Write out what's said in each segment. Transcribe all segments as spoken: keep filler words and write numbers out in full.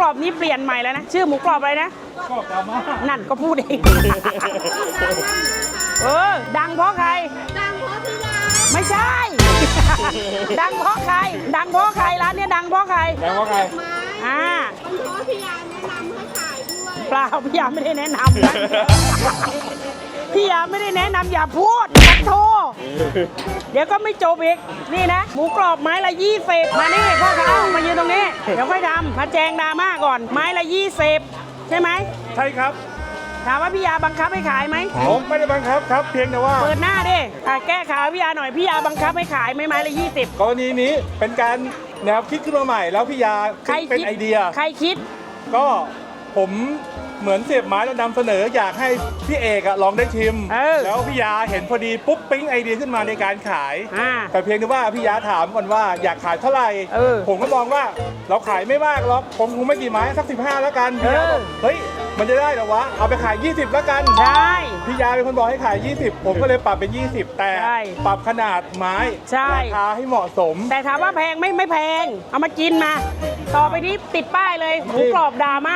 รอบนี้เปลี่ยนใหม่แล้วนะชื่อหมูกรอบอะไรนะกรอบดราม่านั่นก็พูดเองเออดังเพราะใครดังเพราะพี่ดาไม่ใช่ ดังเพราะใครดังเพราะใครร้านนี้ดังเพราะใครดังเพราะใครอ่าเพราะพี่ยาแนะนำให้ขายด้วยเปล่าพี่ยาไม่ได้แนะนำนะพี่ยาไม่ได้แนะนำอย่าพูดขอโทษเดี๋ยวก็ไม่จบอีกนี่นะหมูกรอบไม้ละยี่สิบมานี่พ่อค้ามายืนตรงนี้เดี๋ยวค่อยทำมาแจงดราม่าก่อนไม้ละยี่สิบใช่ไหมใช่ครับถามว่าพี่ยาบังคับให้ขายไหมผมไม่ได้บังคับครับเพียงแต่ว่าเปิดหน้าดิแก้ข่าวพี่ยาหน่อยพี่ยาบังคับให้ขายไหมไม้ละยี่สิบกรณีนี้เป็นการแนวคิดขึ้นมาใหม่แล้วพี่ยาเป็นไอเดียใครคิดก็ผมเหมือนเสียบไม้แล้วนำเสนออยากให้พี่เอกอะลองได้ชิมแล้วพี่ยาเห็นพอดีปุ๊บปิ๊งไอเดียขึ้นมาในการขายแต่เพียงแต่ว่าพี่ยาถามก่อนว่าอยากขายเท่าไหร่ผมก็มองว่าเราขายไม่มากหรอกผมคงไม่กี่ไม้สักสิบห้าแล้วกันพี่ยาบอกเฮ้ยมันจะได้เหรอวะเอาไปขายยี่สิบแล้วกันใช่พี่ยาเป็นคนบอกให้ขายยี่สิบผมก็เลยปรับเป็นยี่สิบแต่ปรับขนาดไม้ราคาให้เหมาะสมแต่ถามว่าแพงไม่ไม่แพงเอามากินมาต่อไปนี้ติดป้ายเลยหมูกรอบดราม่า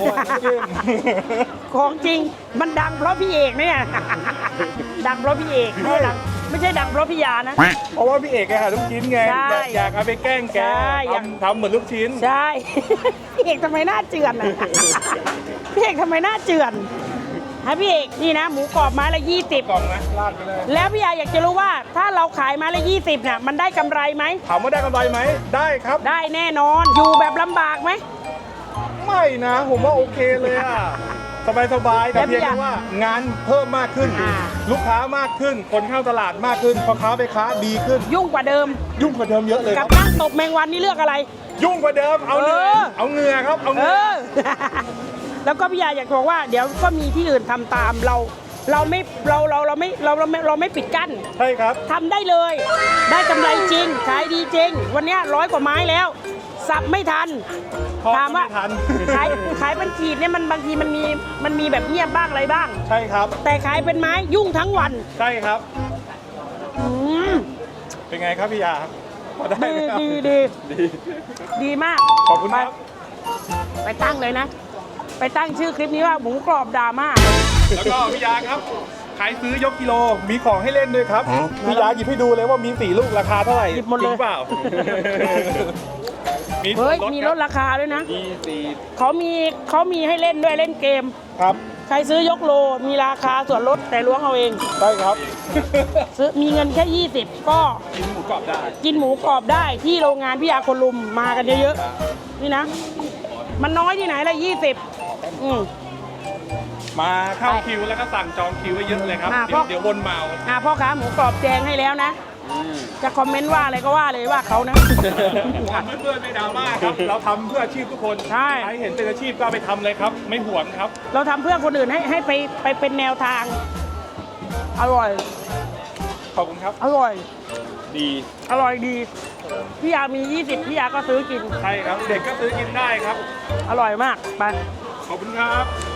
ของจริงมันดังเพราะพี่เอกเนี่ยดังเพราะพี่เอกไม่ดังไม่ใช่ดังเพราะพี่ยานะเพราะว่าพี่เอกแกหาลูกชิ้นไงอยากเอาไปแกล้งแกทำเหมือนลูกชิ้นใช่พี่เอกทำไมหน้าเจือนพี่เอกทำไมหน้าเจือนฮะพี่เอกนี่นะหมูกรอบไม้ละยี่สิบกล่องนะลาดไปเลยแล้วพี่ยาอยากจะรู้ว่าถ้าเราขายไม้ละยี่สิบเนี่ยมันได้กำไรไหมถามว่าได้กำไรไหมได้ครับได้แน่นอนอยู่แบบลำบากไหมไม่นะผมว่าโอเคเลยอะสบายสบายแต่เพียงแค่ว่างานเพิ่มมากขึ้นลูกค้ามากขึ้นคนเข้าตลาดมากขึ้นพ่อค้าไปค้าดีขึ้นยุ่งกว่าเดิมยุ่งกว่าเดิมเยอะเลยกับนั่งตบแมงวันนี่เลือกอะไรยุ่งกว่าเดิมเอาเนื้อเอาเงือครับเอาเงือแล้วก็พี่ยาอยากบอกว่าเดี๋ยวก็มีที่อื่นทำตามเราเราไม่เราเราเราไม่เราเราไม่เราไม่ปิดกั้นใช่ครับทำได้เลยได้กำไรจริงขายดีจริงวันนี้ร้อยกว่าไม้แล้วสับไม่ทันถามว่าขายขายเป็นขีดเนี่ยมันบางทีมันมีมันมีแบบเงียบบ้างอะไรบ้างใช่ครับแต่ขายเป็นไม้ยุ่งทั้งวันใช่ครับอืมเป็นไงครับพี่ยาดีดีดีดีมากขอบคุณครับไปตั้งเลยนะไปตั้งชื่อคลิปนี้ว่าหมูกรอบดราม่าแล้วก็พี่ยาครับขายซื้อยกกิโลมีของให้เล่นด้วยครับพี่ยาหยิบให้ดูเลยว่ามีสี่ลูกราคาเท่าไหร่หยิบหมดเลยเปล่าเฮ้ยมีลดราคาด้วยนะเขามีเขามีให้เล่นด้วยเล่นเกมครับใครซื้อยกโลมีราคาส่วนลดแต่ล้วงเอาเองใช่ครับซื้อมีเงินแค่ยี่สิบก็กินหมูกรอบได้กินหมูกรอบได้ที่โรงงานพี่ยาคนลุมมากันเยอะๆนี่นะมันน้อยที่ไหนละยี่สิบอืมมาเข้าคิวแล้วก็สั่งจองคิวไว้เยอะเลยครับเดี๋ยววนเมาอ่าพ่อค้าหมูกรอบแจงให้แล้วนะจะคอมเมนต์ว่าอะไรก็ว่าเลยว่าเขานะเพื่อนๆไม่ดราม่าครับเราทำเพื่ออาชีพทุกคนใช่ใครเห็นเป็นอาชีพก็ไปทำเลยครับไม่หวงครับเราทำเพื่อคนอื่นให้ให้ไปไปเป็นแนวทางอร่อยขอบคุณครับอร่อยดีอร่อยดีพี่ยามียี่สิบพี่ยาก็ซื้อกินใช่ครับเด็กก็ซื้อกินได้ครับอร่อยมากไปขอบคุณครับ